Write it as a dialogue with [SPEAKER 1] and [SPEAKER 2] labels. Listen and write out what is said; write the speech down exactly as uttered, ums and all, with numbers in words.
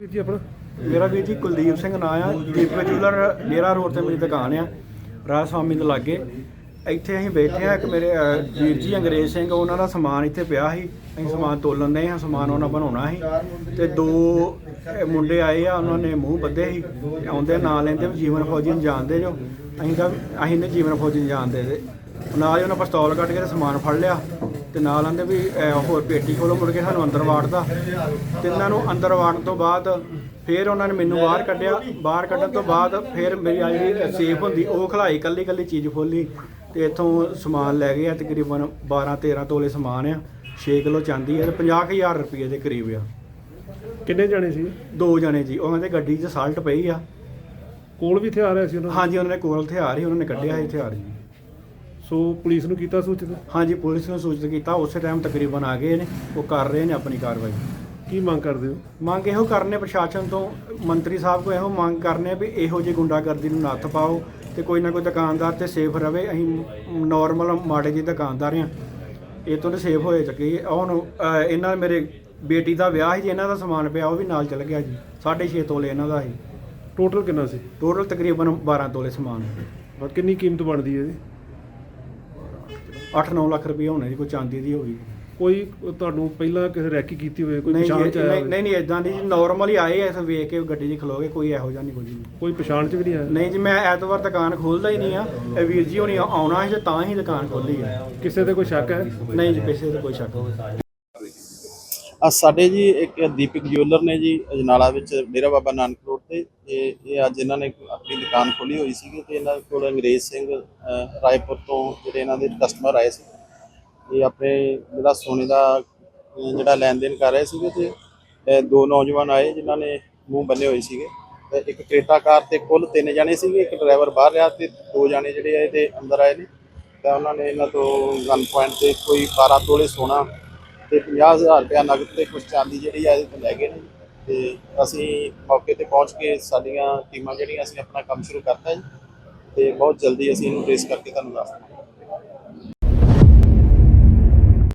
[SPEAKER 1] जी अपना
[SPEAKER 2] मेरा वीर जी कुलदीप सिंह ਨਾਂ ਆ ਦੀਪਕ ਜੂਲਰ ਡੇਰਾ ਰੋਡ ਤੇ ਮੇਰੀ ਦੁਕਾਨ ਆ ਰਾਜ ਸਵਾਮੀ ਦੇ ਲਾਗੇ। ਇੱਥੇ ਅਸੀਂ ਬੈਠੇ ਆ। ਇੱਕ ਮੇਰੇ ਅ, ਵੀਰ ਜੀ ਅੰਗਰੇਜ਼ ਸਿੰਘ ਉਹਨਾਂ ਦਾ ਸਮਾਨ ਇੱਥੇ ਪਿਆ ਸੀ। ਅਸੀਂ ਸਮਾਨ ਤੋਲਣ ਦੇ ਹਾਂ, ਸਮਾਨ ਉਹਨਾਂ ਬਣਾਉਣਾ ਸੀ ਤੇ ਦੋ ਅ, ਮੁੰਡੇ ਆਏ ਆ, ਉਹਨਾਂ ਨੇ ਮੂੰਹ ਬੱਧੇ ਸੀ। ਆਉਂਦੇ ਨਾਂ ਲੈਂਦੇ ਵੀ ਜੀਵਨ ਫੌਜੀ ਨੂੰ ਜਾਣਦੇ ਜੋ। ਅਸੀਂ ਤਾਂ ਅਸੀਂ ਨੇ ਜੀਵਨ ਫੌਜੀ ਨੂੰ ਜਾਣਦੇ ਤੇ ਨਾਲ ਹੀ ਉਹਨਾਂ ਪਿਸਤੌਲ ਕੱਢ ਕੇ ਤੇ ਸਮਾਨ ਫੜ ਲਿਆ ਤੇ ਨਾਲ ਆਂਦੇ ਵੀ ਅ, ਹੋਰ ਪੇਟੀ ਖੋਲੋ। ਮੁੜ ਕੇ ਸਾਨੂੰ ਅੰਦਰ ਵਾੜਦਾ ਤੇ ਇਹਨਾਂ ਨੂੰ ਅੰਦਰ ਵਾੜਨ ਤੋਂ ਬਾਅਦ ਫਿਰ ਉਹਨਾਂ ਨੇ ਮੈਨੂੰ ਬਾਹਰ ਕੱਢਿਆ। ਬਾਹਰ ਕੱਢਣ ਤੋਂ ਬਾਅਦ ਫਿਰ ਮੇਰੀ ਆ ਜਿਹੜੀ ਸੇਫ ਹੁੰਦੀ ਉਹ ਖਲਾਈ, ਕੱਲੀ ਕੱਲੀ ਚੀਜ਼ ਖੋਲੀ ਤੇ ਇੱਥੋਂ ਸਮਾਨ ਲੈ ਗਏ ਆ। ਤਕਰੀਬਨ ਬਾਰਾਂ ਤੇਰਾਂ ਤੋਲੇ ਸਮਾਨ ਆ, ਛੇ ਕਿਲੋ ਚਾਂਦੀ ਆ ਤੇ ਪੰਜਾਹ ਕੁ ਹਜ਼ਾਰ ਰੁਪਏ ਦੇ ਕਰੀਬ ਆ।
[SPEAKER 1] ਕਿੰਨੇ ਜਾਣੇ ਸੀ?
[SPEAKER 2] ਦੋ ਜਣੇ ਜੀ। ਉਹਨਾਂ ਦੇ ਗੱਡੀ 'ਚ ਸਾਲਟ ਪਈ ਆ।
[SPEAKER 1] ਕੋਲ ਵੀ ਹਥਿਆਰ ਆਇਆ ਸੀ ਉਹਨਾਂ
[SPEAKER 2] ਹਾਂਜੀ, ਉਹਨਾਂ ਦੇ ਕੋਲ ਹਥਿਆਰ ਸੀ, ਉਹਨਾਂ ਨੇ ਕੱਢਿਆ ਸੀ ਹਥਿਆਰ ਜੀ।
[SPEAKER 1] ਸੋ ਪੁਲਿਸ ਨੂੰ ਕੀਤਾ ਸੂਚਿਤ?
[SPEAKER 2] ਹਾਂਜੀ, ਪੁਲਿਸ ਨੂੰ ਸੂਚਿਤ ਕੀਤਾ। ਉਸੇ ਟਾਈਮ ਤਕਰੀਬਨ ਆ ਗਏ ਨੇ, ਉਹ ਕਰ ਰਹੇ ਨੇ ਆਪਣੀ ਕਾਰਵਾਈ।
[SPEAKER 1] ਕੀ ਮੰਗ ਕਰਦੇ ਹੋ?
[SPEAKER 2] ਮੰਗ ਇਹੋ ਕਰਨੇ ਪ੍ਰਸ਼ਾਸਨ ਤੋਂ, ਮੰਤਰੀ ਸਾਹਿਬ ਕੋਲ ਇਹੋ ਮੰਗ ਕਰਨੇ ਵੀ ਇਹੋ ਜਿਹੀ ਗੁੰਡਾਗਰਦੀ ਨੂੰ ਨੱਥ ਪਾਓ ਤੇ ਕੋਈ ਨਾ ਕੋਈ ਦੁਕਾਨਦਾਰ ਤੇ ਸੇਫ ਰਵੇ। ਅਸੀਂ ਨੋਰਮਲ ਮਾੜੇ ਜਿਹੇ ਦੁਕਾਨਦਾਰ ਹਾਂ, ਇਹ ਤੋਂ ਤਾਂ ਸੇਫ ਹੋਏ ਚੱਕੇ। ਹੁਣ ਅ, ਇਹਨਾਂ ਮੇਰੇ ਬੇਟੀ ਦਾ ਵਿਆਹ ਸੀ ਜੀ, ਇਹਨਾਂ ਦਾ ਸਮਾਨ ਪਿਆ ਉਹ ਵੀ ਨਾਲ ਚਲ ਗਿਆ ਜੀ। ਸਾਢੇ ਛੇ ਤੋਲੇ ਇਹਨਾਂ ਦਾ ਸੀ।
[SPEAKER 1] ਟੋਟਲ ਕਿੰਨਾ ਸੀ?
[SPEAKER 2] ਟੋਟਲ ਤਕਰੀਬਨ ਬਾਰਾਂ ਤੋਲੇ ਸਮਾਨ।
[SPEAKER 1] ਔਰ ਕਿੰਨੀ ਕੀਮਤ ਬਣਦੀ ਹੈ ਇਹਦੀ?
[SPEAKER 2] ਅੱਠ ਨੌ ਲੱਖ ਰੁਪਏ ਹੋਣੇ ਜੀ, ਕੋਈ ਚਾਂਦੀ ਦੀ ਹੋਈ।
[SPEAKER 1] ਕੋਈ ਤੁਹਾਨੂੰ ਪਹਿਲਾਂ ਕਿਸੇ ਰੈਕੀ ਕੀਤੀ ਹੋਵੇ, ਕੋਈ
[SPEAKER 2] ਨਹੀਂ
[SPEAKER 1] ਪਛਾਣ ਚ
[SPEAKER 2] ਜੀ,
[SPEAKER 1] ਆਇਆ
[SPEAKER 2] ਨਹੀਂ
[SPEAKER 1] ਹੋਵੇ?
[SPEAKER 2] ਨਹੀਂ ਨਹੀਂ ਇਦਾਂ ਦੀ ਜੀ, ਨੋਰਮਲ ਹੀ ਆਏ ਐ। ਵੇਖ ਕੇ ਗੱਡੀ 'ਚ ਖਲੋ ਗਏ, ਕੋਈ ਇਹੋ ਜਿਹਾ ਨਹੀਂ ਕੁਝ ਨਹੀਂ।
[SPEAKER 1] ਕੋਈ ਪਛਾਣ ਚ ਵੀ ਨਹੀਂ ਆਇਆ?
[SPEAKER 2] ਨਹੀਂ ਜੀ, ਮੈਂ ਐਤਵਾਰ ਦੁਕਾਨ ਖੋਲ੍ਹਦਾ ਹੀ ਨਹੀਂ ਆ। ਇਹ ਵੀਰ ਜੀ ਹੋਣੀ ਆਉਣਾ ਸੀ ਤੇ ਤਾਂ ਹੀ ਦੁਕਾਨ ਖੋਲ੍ਹੀ ਹੈ।
[SPEAKER 1] ਕਿਸੇ ਤੇ ਕੋਈ ਸ਼ੱਕ ਹੈ?
[SPEAKER 2] ਨਹੀਂ ਜੀ, ਕਿਸੇ ਤੇ ਕੋਈ ਸ਼ੱਕ ਨਹੀਂ।
[SPEAKER 3] ਆ ਸਾਡੇ ਜੀ ਇੱਕ ਦੀਪਕ ਜਿਊਲਰ ਨੇ ਜੀ ਅਜਨਾਲਾ ਵਿੱਚ ਡੇਰਾ ਬਾਬਾ ਨਾਨਕ ਰੋਡ ਤੇ ਇਹ ਇਹ ਅੱਜ ਇਹਨਾਂ ਨੇ ਆਪਣੀ ਦੁਕਾਨ ਖੋਲੀ ਹੋਈ ਸੀਗੀ ਤੇ ਇਹਨਾਂ ਕੋਲ ਅੰਗਰੇਜ਼ ਸਿੰਘ ਅ, ਰਾਏਪੁਰ ਤੋਂ ਜਿਹੜੇ ਇਹਨਾਂ ਦੇ ਕਸਟਮਰ ਆਏ ਸੀ। ਇਹ ਆਪਣੇ ਜਿਹੜਾ ਸੋਨੇ ਦਾ ਅ, ਜਿਹੜਾ ਲੈਣ ਦੇਣ ਕਰ ਰਹੇ ਸੀਗੇ ਤੇ ਅ, ਦੋ ਨੌਜਵਾਨ ਆਏ ਜਿਨ੍ਹਾਂ ਨੇ ਮੂੰਹ ਬੰਨੇ ਹੋਏ ਸੀਗੇ ਤੇ ਇੱਕ ਕ੍ਰੇਟਾ ਕਾਰ ਤੇ ਕੁੱਲ ਤਿੰਨ ਜਾਣੇ ਸੀਗੇ। ਇੱਕ ਡਰਾਈਵਰ ਬਾਹਰ ਰਿਹਾ ਤੇ ਦੋ ਜਾਣੇ ਜਿਹੜੇ ਆਏ ਤੇ ਅੰਦਰ ਆਏ ਨੇ ਤਾਂ ਉਹਨਾਂ ਨੇ ਇਹਨਾਂ ਤੋਂ ਗਨ ਪੁਆਇੰਟ ਤੇ ਕੋਈ ਬਾਰਾਂ ਤੋਲੇ ਸੋਨਾ ਤੇ ਪੰਜਾਹ ਹਜ਼ਾਰ ਰੁਪਇਆ ਨਗਦ ਤੇ ਕੁਛ ਚਾਂਦੀ ਜਿਹੜੀ ਆ ਇਹਦੇ ਤੋਂ ਲੈ ਗਏ ਨੇ ਤੇ ਅਸੀਂ ਮੌਕੇ ਤੇ ਪਹੁੰਚ ਕੇ ਸਾਡੀਆਂ ਟੀਮਾਂ ਜਿਹੜੀਆਂ ਅਸੀਂ ਆਪਣਾ ਕੰਮ ਸ਼ੁਰੂ ਕਰਤਾ ਜੀ ਤੇ ਬਹੁਤ ਜਲਦੀ ਅਸੀਂ ਇਹਨੂੰ ਟ੍ਰੇਸ ਕਰਕੇ ਤੁਹਾਨੂੰ ਦੱਸ ਦਿਆਂਗੇ।